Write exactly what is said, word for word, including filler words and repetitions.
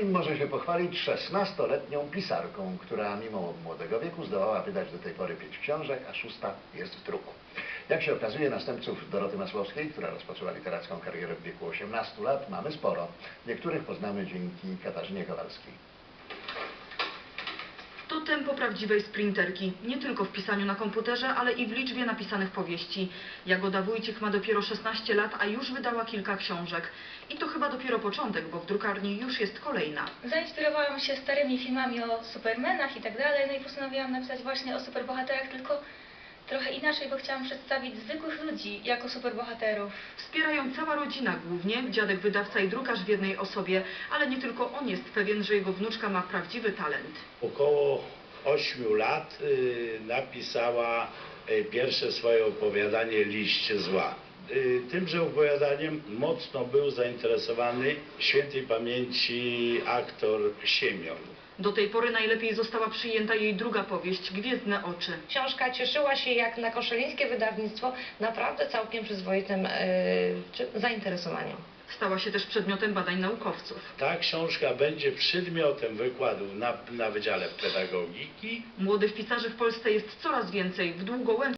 Gowin może się pochwalić szesnastoletnią pisarką, która mimo młodego wieku zdołała wydać do tej pory pięć książek, a szósta jest w druku. Jak się okazuje, następców Doroty Masłowskiej, która rozpoczęła literacką karierę w wieku osiemnastu lat, mamy sporo. Niektórych poznamy dzięki Katarzynie Kowalskiej. To tempo prawdziwej sprinterki, nie tylko w pisaniu na komputerze, ale i w liczbie napisanych powieści. Jagoda Wójcik ma dopiero szesnaście lat, a już wydała kilka książek. I to chyba dopiero początek, bo w drukarni już jest kolejna. Zainspirowałam się starymi filmami o supermenach i tak dalej, no i postanowiłam napisać właśnie o superbohaterach, tylko trochę inaczej, bo chciałam przedstawić zwykłych ludzi jako superbohaterów. Wspierają cała rodzina głównie, dziadek wydawca i drukarz w jednej osobie, ale nie tylko on jest pewien, że jego wnuczka ma prawdziwy talent. Około ośmiu lat y, napisała y, pierwsze swoje opowiadanie Liść zła. Y, tymże opowiadaniem mocno był zainteresowany świętej pamięci aktor Siemion. Do tej pory najlepiej została przyjęta jej druga powieść, Gwiezdne oczy. Książka cieszyła się jak na koszalińskie wydawnictwo naprawdę całkiem przyzwoitym yy, zainteresowaniem. Stała się też przedmiotem badań naukowców. Ta książka będzie przedmiotem wykładów na, na Wydziale Pedagogiki. Młodych pisarzy w Polsce jest coraz więcej. W Długołęce